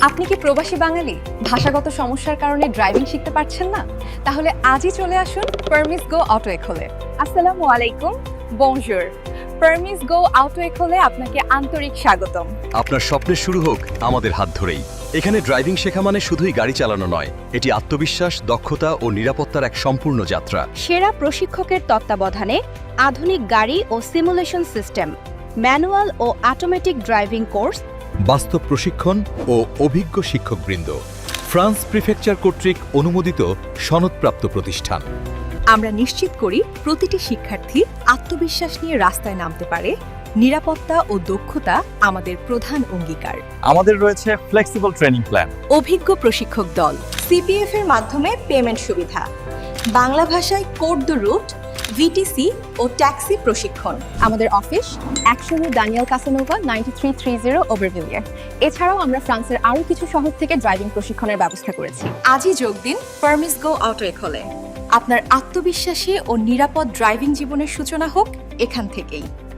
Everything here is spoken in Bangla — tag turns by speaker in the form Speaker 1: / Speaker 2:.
Speaker 1: আপনি কি প্রবাসী বাঙালি? ভাষাগত সমস্যার কারণে ড্রাইভিং শিখতে পারছেন না? তাহলে আজই চলে আসুন পারমিস গো অটো এখোলে। আসসালামু আলাইকুম, বনজুর। পারমিস গো অটো এখোলে আপনাকে আন্তরিক স্বাগতম।
Speaker 2: আপনার স্বপ্নের শুরু হোক আমাদের হাত ধরেই। এখানে ড্রাইভিং শেখা মানে শুধুই গাড়ি চালানো নয়, এটি আত্মবিশ্বাস, দক্ষতা ও নিরাপত্তার এক সম্পূর্ণ যাত্রা।
Speaker 3: সেরা প্রশিক্ষকের তত্ত্বাবধানে আধুনিক গাড়ি ও সিমুলেশন সিস্টেম, ম্যানুয়াল ও অটোমেটিক ড্রাইভিং কোর্স,
Speaker 4: বাস্তব প্রশিক্ষণ ও অভিজ্ঞ শিক্ষকবৃন্দ। ফ্রান্স প্রিফেকচার কর্তৃক অনুমোদিত সনদপ্রাপ্ত প্রতিষ্ঠান।
Speaker 1: আমরা নিশ্চিত করি প্রতিটি শিক্ষার্থী আত্মবিশ্বাস নিয়ে রাস্তায় নামতে পারে। নিরাপত্তা ও দক্ষতা আমাদের প্রধান অঙ্গীকার।
Speaker 5: আমাদের রয়েছে ফ্লেক্সিবল ট্রেনিং প্ল্যান,
Speaker 1: অভিজ্ঞ প্রশিক্ষক দল, সিপিএফ এর মাধ্যমে পেমেন্ট সুবিধা, বাংলা ভাষায় কোড দ্য রুট, ভিটিসি ও ট্যাক্সি প্রশিক্ষণ। আমাদের অফিস 100 দানিয়েল কাসানোভা 9330 ওভারভিলিয়ার। এছাড়াও আমরা ফ্রান্সের আরও কিছু শহর থেকে ড্রাইভিং প্রশিক্ষণের ব্যবস্থা করেছি। আজই যোগ দিন পারমিস গো অটো এখোলে। আপনার আত্মবিশ্বাসী ও নিরাপদ ড্রাইভিং জীবনের সূচনা হোক এখান থেকেই।